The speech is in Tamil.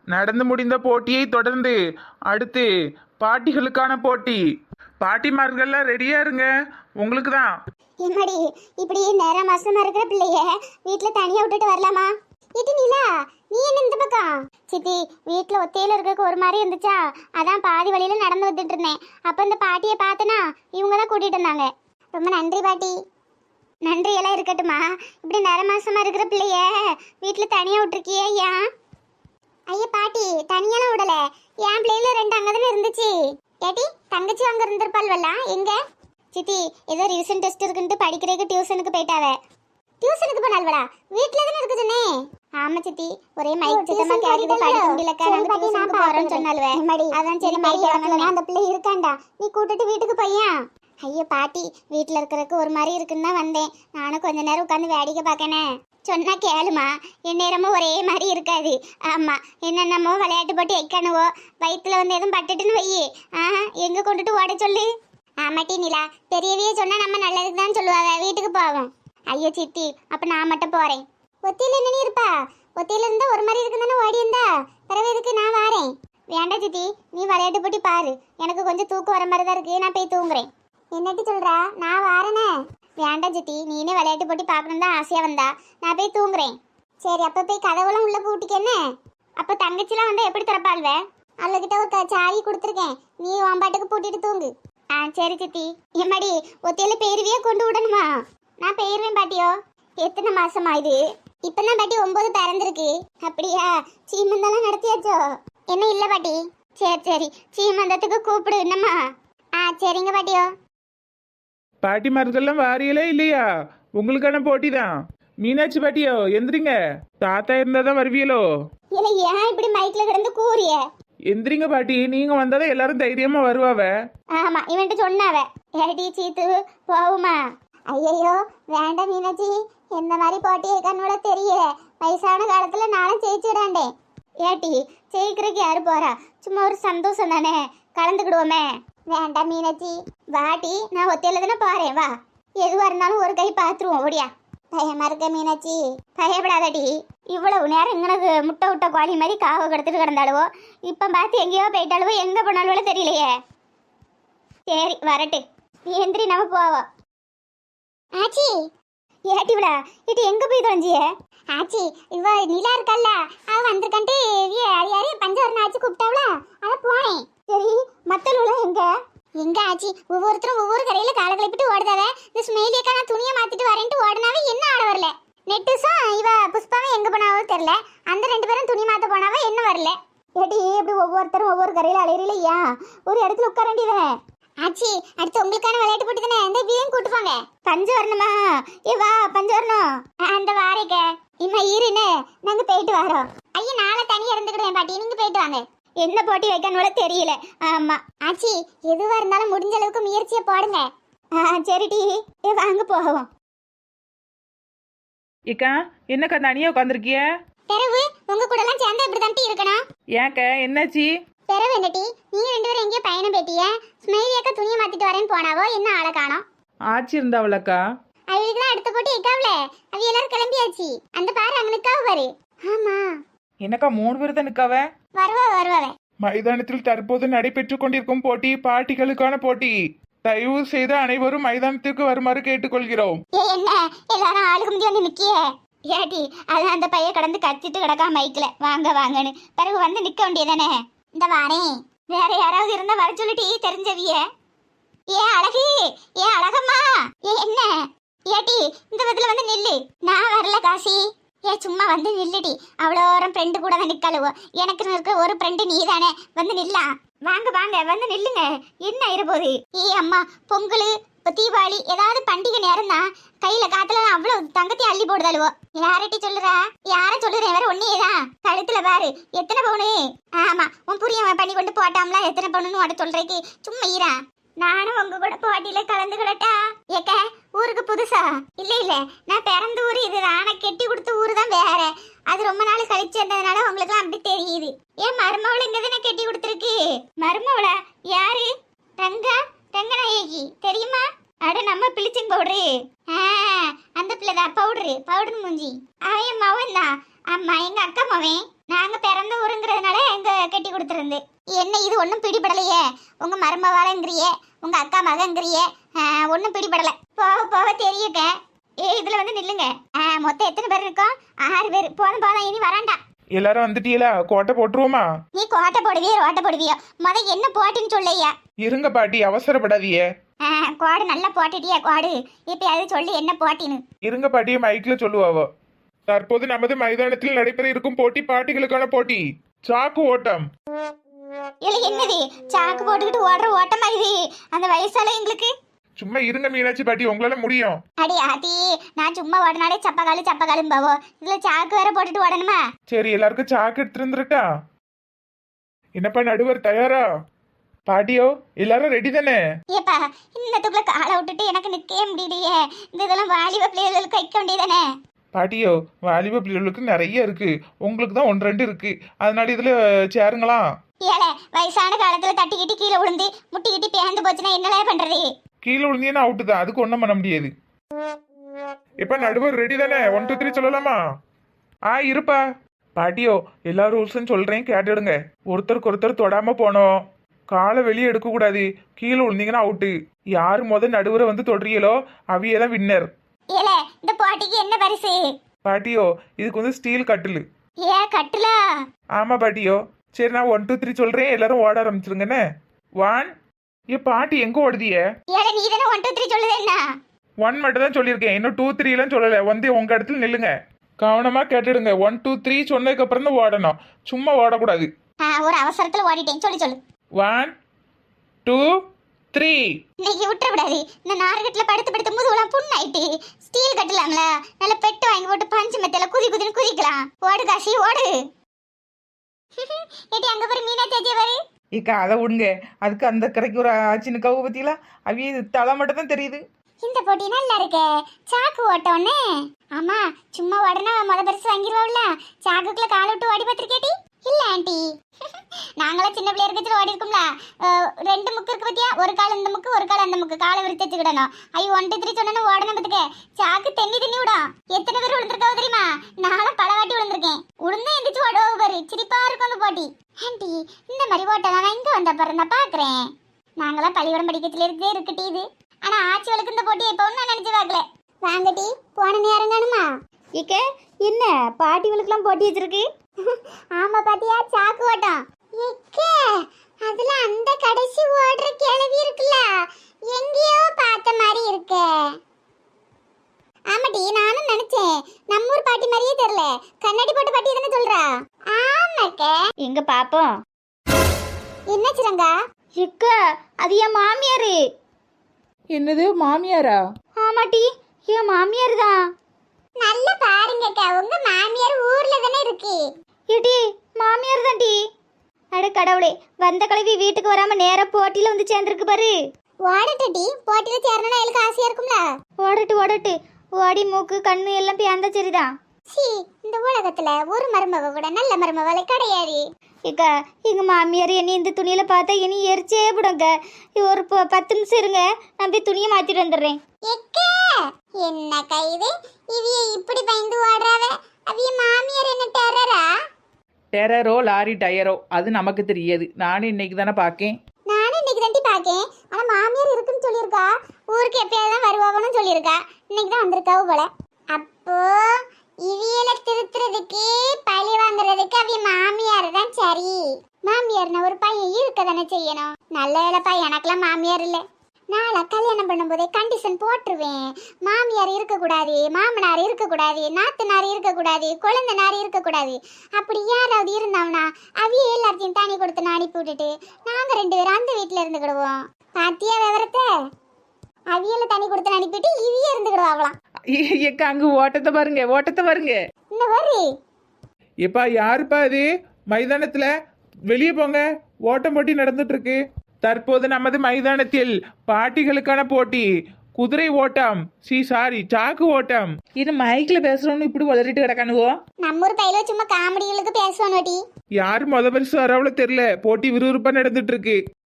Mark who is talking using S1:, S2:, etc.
S1: நடந்து முடிந்த போட்டியை தொடர்ந்து அடுத்து பாட்டிகளுக்கான போட்டி. பாட்டிமார்கள்லாம் ரெடியா இருங்க, உங்களுக்கு தான்.
S2: எம்மாடி, இப்படி நேரம் மாசமா இருக்கிற பிள்ளைய வீட்டுல தனியா விட்டுட்டு வரலாமா? இது நீலா, நீ என்ன இந்த பக்கம்? சித்தி, வீட்டுல ஒத்தையில இருக்க ஒரு மாதிரி இருந்துச்சா, அதான் பாதி வழியில நடந்து வந்துட்டு இருந்தேன். அப்ப இந்த பாட்டியை பார்த்தனா இவங்க தான் கூட்டிட்டு இருந்தாங்க. ரொம்ப நன்றி பாட்டி. நன்றி எல்லாம் இருக்கட்டுமா, இப்படி நேரம் மாசமா இருக்கிற பிள்ளைய வீட்டுல தனியா விட்டுருக்கியே ஏன்? ஐயா பாட்டி, தனியெல்லாம் விடல, என் பிள்ளைல 2 அங்கதானே இருந்துச்சு. ஏட்டி, தங்கச்சி அங்க இருந்திருப்பாள்வல்ல, எங்க? சித்தி, ஏதோ ரிவிஷன் டெஸ்ட் இருக்குன்ட்டு படிக்கிறதுக்கு டியூஷனுக்கு போயிட்டாவே. டியூஷனுக்கு போனால்வடா, வீட்ல தானே இருக்கு சொன்னே. ஆமா சித்தி, ஒரே மைக் சத்தமா கேக்குது, படிக்க முடியலக்கா, நாங்க டியூஷனுக்கு போறோம்னு சொன்னால்வே. அதான் சரி மைக் வாங்கலாம், அந்த பிள்ளை இருக்காண்டா, நீ கூட்டிட்டு வீட்டுக்கு போய்யா. ஐயோ பாட்டி, வீட்டுல இருக்கிறதுக்கு ஒரு மாதிரி இருக்குன்னு தான் வந்தேன். நானும் கொஞ்ச நேரம் உட்காந்து வேடிக்கை பார்க்கனே. சொன்னா கேளுமா, என் நேரமும் ஒரே மாதிரி இருக்காது. ஆமா, என்னென்னமோ விளையாட்டு போட்டு வைக்கணுவோ, வயிற்றுல வந்து எதுவும் பட்டுட்டுன்னு வையே, எங்க கொண்டுட்டு ஓட சொல்லு. ஆமாட்டி நிலா, பெரியவையே சொன்னா நம்ம நல்லதுக்கு தான் சொல்லுவாங்க, வீட்டுக்கு போவோம். ஐயோ சித்தி, அப்ப நான் மட்டும் போறேன். ஒத்தியில என்ன இருப்பா? ஒத்தியில இருந்தா ஒரு மாதிரி இருக்குன்னு ஓடி இருந்தா பிறகு எதுக்கு நான் வாரேன். வேண்டாம் சித்தி, நீ விளையாட்டு போட்டி பாரு, எனக்கு கொஞ்சம் தூக்கம் வர மாதிரி தான் இருக்கு, நான் போய் தூங்குறேன். என்னட்டி சொல்றா? நான் வாரேனே. வேண்டாம் சித்தி, நீனே விளையாட்டு போட்டி பார்க்கணும் தான் ஆசையா வந்தா, நான் போய் தூங்குறேன். சரி, அப்ப போய் கதவுலாம் உள்ள பூட்டிக்க. அப்ப தங்கச்சிலாம் வந்து எப்படி திறப்பாள்வே? அவள்கிட்ட ஒரு சாவி கொடுத்துருக்கேன், நீ உன் பாட்டுக்கு பூட்டிட்டு தூங்கு. சரி சித்தி. எம்மாடி, ஒத்தையில பேருவியே கொண்டு விடணுமா? நான் போயிருவேன் பாட்டியோ. எத்தனை மாசமா இது? இப்பதான் பாட்டி 9 பிறந்திருக்கு. அப்படியா? சீமந்தெல்லாம் நடத்தியாச்சோ? என்ன இல்ல பாட்டி. சரி சரி, சீமந்தத்துக்கு கூப்பிடு என்னம்மா. சரிங்க பாட்டியோ.
S1: பாட்டிமார்கள்லாம் வாரியலே இல்லையா? உங்களுக்கான போட்டி தான். மீனாட்சி பாட்டியோ எந்திரிங்க, தாத்தா இருந்தா தான் வருவியலோ.
S2: இல்ல, ஏன் இப்படி மைக்ல கிடந்து கூறிய?
S1: எந்திரிங்க பாட்டி, நீங்க வந்தாதான் எல்லாரும் தைரியமா வருவாவ.
S2: ஆமா, இவன்ட்டு சொன்னாவ. ஏடி சீத்து, போவுமா? ஐயோ வேண்டாம் மீனாட்சி, எந்த மாதிரி போட்டி கண்ணோட தெரியல. வயசான காலத்துல நானும் ஜெயிச்சுடாண்டேன். ஏட்டி, ஜெயிக்கிறதுக்கு யாரு போறா? சும்மா ஒரு சந்தோஷம் தானே, கலந்துக்கிடுவோமே. வேண்டாம் மீனாட்சி, வாட்டி, நான் ஒத்தையில தானே போறேன், வா. எதுவா இருந்தாலும் ஒரு கை பாத்துருவோம், ஓடியா. பயமா இருக்க மீனாட்சி? பயப்படாதடி, இவ்வளவு நேரம் இங்கனக்கு முட்டை விட்ட கோழி மாதிரி காவ கிடத்துட்டு கிடந்தாளுவோ, இப்ப பார்த்து எங்கேயோ போயிட்டாளுவோ, எங்க போனாலுவோ தெரியலையே. சரி வரட்டு, நீ எந்திரி, நம்ம போவோம். ஆச்சி, ஏட்டி விடா, இது எங்க போய் தொலைஞ்சிய? ஆச்சி, இவ நிலா இருக்கல்ல, அவ வந்திருக்கன்ட்டு யாரையே பஞ்சவரண ஆச்சி கூப்பிட்டாவல, அத போனேன். சரி, மத்தவளும் எங்க? எங்க ஆச்சி, ஒவ்வொருத்தரும் ஒவ்வொரு கரையில கால கிளப்பிட்டு ஓடுதாவ. இந்த ஸ்மெயிலியக்கா நான் துணியை மாத்திட்டு வரேன்ட்டு ஓடுனாவே என்ன ஆட வரல. நெட்டுஸும் இவ புஷ்பாவும் எங்க போனாவோ தெரியல, அந்த 2 பேரும் துணி மாத்த போனாவ, என்ன வரல. ஏட்டி, இப்படி ஒவ்வொருத்தரும் ஒவ்வொரு கரையில அலையிறலையா? ஒரு இடத்துல உட்கார வேண்டியதானே. ஆச்சி, அடுத்து உங்களுக்கான விளையாட்டு போட்டு தானே, இந்த வீயும் கூட்டு போங்க. பஞ்சு வரணுமா? ஏ வா, பஞ்சு வரணும். அந்த வாரேக்க இம்மா ஈருன்னு நாங்க போயிட்டு வரோம். ஐயா, நாளை தனியா இருந்துக்கிட்டேன் பாட்டி, நீங்க போயிட்டு வாங்க. என்ன போட்டி வைக்கணும் தெரியல. ஆமா ஆச்சி, எதுவா இருந்தாலும் முடிஞ்ச அளவுக்கு முயற்சியை போடுங்க. சரிடி, வாங்க போவோம்.
S1: ஏக்கா, என்னக்கா தனியா உட்காந்துருக்கிய?
S2: பிறகு உங்க கூட எல்லாம் சேர்ந்தா இப்படி தான் இருக்கணும்.
S1: ஏக்க, என்னாச்சு?
S2: பிறகு என்னட்டி, நீங்க 2 பேரும் எங்கேயோ பயணம் போயிட்டிய? ஸ்மெயிலியக்கா துணியை மாத்திட்டு வரேன்னு போனாவோ, என்ன ஆளை காணோம்.
S1: ஆச்சி இருந்தாவளக்கா?
S2: அவளுக்குலாம் அடுத்த போட்டு எக்காவல, அவ எல்லாரும் கிளம்பியாச்சு. அந்த பாரு, அங்க நிக்காவ பாரு. ஆமா,
S1: என்னக்கா 3 பேர் தான் நிக்காவ?
S2: வருவாவே.
S1: மைதானத்தில் தற்போது நடைபெற்றுக் கொண்டிருக்கும் போட்டி பாட்டிகளுக்கான போட்டி. தயவு செய்து அனைவரும் மைதானத்திற்கு வருமாறு கேட்டுக்கொள்கிறோம்.
S2: என்ன எல்லாரும் ஆளுக்கு முந்தி வந்து நிக்கிய? ஏட்டி, அதான் அந்த பைய கடந்து கத்திட்டு கிடக்கா மைக்ல, வாங்க வாங்கன்னு. பிறகு வந்து நிக்க வேண்டியதானே. இந்த வாரேன். வேற யாராவது இருந்தா வர சொல்லிட்டு தெரிஞ்சவிய. ஏ அழகு, ஏ அழகம்மா, என்ன? ஏட்டி, இந்த விதத்துல வந்து நில்லு. நான் வரல காசி. சும்மா வந்து நில்லுடி, அவ்வளோரம் ஃப்ரெண்டு கூட தான் நிற்கலுவோ. எனக்கு இருக்க ஒரு ஃப்ரெண்டு நீ தானே, வந்து நில்லாம். வாங்க வாங்க, வந்து நில்லுங்க. என்ன இருப்போது? அம்மா, பொங்கல், இப்போ தீபாவளி, ஏதாவது பண்டிகை நேரம் தான் கையில காத்துல அவ்வளோ தங்கத்தையும் அள்ளி போடுதாளுவோ. யார்ட்டி சொல்லுறா? யார சொல்லுறேன், வேற ஒன்னேதான். கழுத்துல பாரு எத்தனை பவுனு. ஆமா, உன் புரிய பண்ணி கொண்டு போட்டாம்ல, எத்தனை பவுனுன்னு உட சொல்றேக்கு. சும்மா ஈரா, நானும் உங்க கூட போட்டியில கலந்துக்கிடட்டா? ஏக்க, ஊருக்கு புதுசா? இல்ல, நான் பிறந்த ஊர் இதுதான், நான் கெட்டி கொடுத்த ஊரு தான் வேற. அது ரொம்ப நாள் கழிச்சு இருந்ததுனால உங்களுக்கு அப்படி தெரியுது. ஏன் மருமவள இங்கதானே கெட்டி கொடுத்துருக்கு? மருமவளா? யாரு? ரங்கநாயகி தெரியுமா? அட, நம்ம பிளிச்சிங் பவுடரு. அந்த பிள்ளைதான், பவுடர் மூஞ்சி. அவன் மவன் தான். ஆமா, எங்க அக்கா மவன். நாங்க பிறந்த ஊருங்கிறதுனால கட்டி கொடுத்துருந்து. என்ன இது ஒன்றும் பிடிபடலையே? உங்க மருமவாளங்கிறியே, உங்க அக்கா மகங்கிறியே, ஒன்றும் பிடிபடல. போக போக தெரியுங்க. இதுல வந்து நில்லுங்க. மொத்தம் எத்தனை பேர் இருக்கோம்? 6 பேர். போதும் போதும், இனி வராண்டா.
S1: எல்லாரும் வந்துட்டீங்களா? கோட்டை போட்டுருவோமா?
S2: நீ கோட்டை போடுவியோ ரோட்டை போடுவியோ, என்ன போட்டுன்னு சொல்லையா?
S1: இருங்க பாட்டி, அவசரப்படாதீங்க.
S2: கோடு நல்லா போட்டுட்டியா? கோடு இப்ப அது சொல்லி என்ன போட்டின்னு.
S1: இருங்க பாட்டியை மைக்ல சொல்லுவாவோ. தற்போது நமது மைதானத்தில் நடைபெற இருக்கும் போட்டி பாட்டிகளுக்கான போட்டி சாக்கு ஓட்டம்.
S2: இல்ல என்னது சாக்கு போட்டுக்கிட்டு ஓடுற ஓட்டமா இது? அந்த வயசால எங்களுக்கு.
S1: சும்மா இருங்க மீனாட்சி பாட்டி, உங்களால முடியும்.
S2: அடி ஆத்தி, நான் சும்மா ஓடனாலே சப்பகாலும் பாவோ, இதுல சாக்கு வேற போட்டுட்டு ஓடணுமா?
S1: சரி, எல்லாருக்கும் சாக்கு எடுத்து இருந்துருட்டா. என்னப்பா நடுவர் தயாரா? பாட்டியோ எல்லாரும் ரெடி தானே?
S2: ஏப்பா, இன்னத்துக்குள்ள காலை விட்டுட்டு எனக்கு நிக்கவே முடியலையே. இந்த இதெல்லாம் வாலிப பிள்ளைகளுக்கு வைக்க வேண்டியதானே?
S1: பாட்டியோ வாலிப பிள்ளைகளுக்கு நிறைய இருக்கு, உங்களுக்கு தான் 1-2 இருக்கு, அதனால இதுல சேருங்களா?
S2: ஏலே, வயசான காலத்துல தட்டிக்கிட்டு கீழே விழுந்து முட்டிக்கிட்டு பேந்து போச்சுன்னா என்னலே பண்றது?
S1: கீழே விழுந்தீங்கன்னா அவுட்டு தான், அதுக்கு ஒன்றும் பண்ண முடியாது. இப்ப நடுவர் ரெடி தானே? 1 2 3 சொல்லலாமா? இருப்பா. பாட்டியோ எல்லா ரூல்ஸும் சொல்றேன், கேட்டுடுங்க. ஒருத்தருக்கு ஒருத்தர் தொடாம போனோம், காலை வெளியே எடுக்க கூடாது, கீழே விழுந்தீங்கன்னா அவுட்டு. யாரு நடுவரை வந்து தொடுறீங்களோ அவியதான் வின்னர்.
S2: ஏலே, இந்த போட்டிக்கு என்ன பரிசு?
S1: பாட்டியோ இதுக்கு வந்து ஸ்டீல் கட்டிலு.
S2: கட்டுலா?
S1: ஆமா பாட்டியோ. சரி, நான் 1 2 3 சொல்றேன், எல்லாரும் ஓட ஆரம்பிச்சிருங்கண்ணே. 1. பாட்டி எங்க ஓடுதிய?
S2: ஏலே, நீ தானே 1 2 3 சொல்லுது என்ன?
S1: 1 மட்டும் தான் சொல்லியிருக்கேன், இன்னும் 2 3 எல்லாம் சொல்லல. வந்து உங்க இடத்துல நில்லுங்க, கவனமா கேட்டுடுங்க. 1 2 3 சொன்னதுக்கு அப்புறம் தான் ஓடணும், சும்மா ஓடக்கூடாது.
S2: ஒரு அவசரத்துல ஓடிட்டேன், சொல்லு.
S1: 1 2 3.
S2: இன்னைக்கு விட்டுற விடாது. இந்த நார்கட்ல படுத்து முதுகுலாம் புண்ணாயிட்டு. ஸ்டீல் கட்டலாம்ல, நல்ல பெட்டு வாங்கி போட்டு பஞ்சு மெத்தையில குதின்னு குதிக்கலாம். ஓடு காசி ஓடு. ஏடி அங்க பாரு, மீனா தேஜி பாரு.
S3: இக்கா அதை விடுங்க, அதுக்கு அந்த கரைக்கு ஒரு ஆச்சின்னு கவு பத்தியில அவிய தலை மட்டும் தான் தெரியுது.
S2: இந்த போட்டி நல்லா இருக்கே, சாக்கு ஓட்டோன்னு. ஆமா, சும்மா உடனே பரிசு வாங்கிடுவோம்ல. சாக்குக்குள்ள காலை விட்டு ஓடி பார்த்திருக்கேடி? இல்ல ஆண்டி, நாங்களாம் சின்ன பிள்ளைய இருக்கச்சுல ஓடி இருக்கும்ல. 2 முக்கு இருக்கு பத்தியா, ஒரு கால் இந்த முக்கு ஒரு கால் அந்த முக்கு, காலை விரித்து வச்சுக்கிடணும். 1 2 3 சொன்னா ஓடணும் பத்துக்க. சாக்கு தண்ணி விடும். எத்தனை பேர் விழுந்திருக்காவோ தெரியுமா? நானும் பல வாட்டி விழுந்திருக்கேன். உளுந்து எந்திரிச்சு ஓடுவா பாரு, சிரிப்பா இருக்கும் அந்த போட்டி. ஆண்டி, இந்த மாதிரி ஓட்டலாம் நான் இங்க வந்த பிறந்தா பாக்குறேன். நாங்களாம் பள்ளிக்கூடம் படிக்கத்துல இருக்கட்டி இது. ஆனா ஆட்சிகளுக்கு இந்த போட்டி எப்பவும் நான் நினைச்சு பார்க்கல. வாங்கட்டி, போன நேரம் காணுமா? இக்க என்ன பாட்டிகளுக்கெல்லாம் போட்டி வச்சிருக்கு? ஆமா பாத்தியா, சாக்கு ஓட்டம். அதுல அந்த கடைசி ஓடுற கிழவி இருக்குல்ல, எங்கேயோ பார்த்த மாதிரி இருக்கே. ஆமாடி, நானும் நினைச்சேன். நம்ம ஊர் பாட்டி மாதிரியே தெரியல. கண்ணாடி போட்ட பாட்டி தானே சொல்றா? ஆமாக்க. எங்க பாப்போம். என்ன சிரங்கா? அது என் மாமியாரு.
S3: என்னது மாமியாரா?
S2: ஆமாட்டி, என் மாமியார் தான். நல்ல பாருங்கக்கா, உங்க மாமியார் ஊர்ல தானே இருக்கு. இடி மாமியார் தான் டி. அட கடவுளே, வந்த கிழவி வீட்டுக்கு வராம நேரா போட்டியில வந்து சேர்ந்துருக்கு பாரு. ஓடட்டி, போட்டியில சேரணும்னா எனக்கு ஆசையா இருக்கும்ல. ஓடட்டு ஓடி மூக்கு கண்ணு எல்லாம் பேந்தா சரிதான். இந்த உலகத்துல ஒரு மருமக கூட நல்ல மருமவளை கிடையாது. இக்கா, எங்க மாமியார் என்னை இந்த துணியில பார்த்தா இனி எரிச்சே விடுங்க. ஒரு 10 நிமிஷம் இருங்க, நான் போய் துணியை மாத்திட்டு வந்துடுறேன். என்ன கைது இவிய இப்படி பயந்து ஓடுறாவ? அவிய மாமியார் என்ன டெரரா?
S3: டெரரோ லாரி டயரோ அது நமக்கு தெரியாது. நானும் இன்னைக்கு தானே பார்க்கேன்.
S2: நானும் இன்னைக்கு தாண்டி பார்க்கேன். ஆனா மாமியார் இருக்குன்னு சொல்லியிருக்கா. ஊருக்கு எப்பயாவது தான் வருவாங்கன்னு சொல்லியிருக்கா. இன்னைக்கு தான் வந்திருக்காவு போல. அப்போ இவியல திருத்துறதுக்கு பழி வாங்குறதுக்கு அவிய மாமியார் தான் சரி. மாமியார்னா ஒரு பையன் இருக்க தானே செய்யணும். நல்ல வேலைப்பா, எனக்கெல்லாம் மாமியார் இல்லை. நாளை கல்யாணம் பண்ணும்போதே கண்டிஷன் போட்டுருவேன். மாமியார் இருக்கக்கூடாது, மாமனார் இருக்கக்கூடாது, நாத்தனார் இருக்கக்கூடாது, குழந்தைனார் இருக்கக்கூடாது. அப்படி யாராவது இருந்தாங்கன்னா அவிய எல்லாத்தையும் தனி கொடுத்து அனுப்பி விட்டுட்டு நாங்க 2 பேரும் அந்த வீட்டுல இருந்துக்கிடுவோம். பாத்தியா விவரத்தை? அவியல தனி கொடுத்து அனுப்பிட்டு இவிய இருந்துக்கிடுவாங்களாம்.
S3: ஏக்கா அங்க ஓட்டத்தை பாருங்க.
S2: இன்னும் வரு.
S1: எப்பா யாருப்பா இது? மைதானத்துல வெளியே போங்க, ஓட்டம் போட்டி நடந்துட்டு இருக்கு. தற்போது நமது மைதானத்தில் பாட்டிகளுக்கான போட்டி குதிரை ஓட்டம், சாக்கு ஓட்டம்.
S3: இது மைக்ல பேசுறோம்னு இப்படி வளரிட்டு கிடக்கானுவோ.
S2: நம்ம ஊர் பையில சும்மா காமெடிகளுக்கு பேசுவானோடி.
S1: யாரு பரிசு வரவளோ தெரியல, போட்டி விறுவிறுப்பா நடந்துட்டு இருக்கு.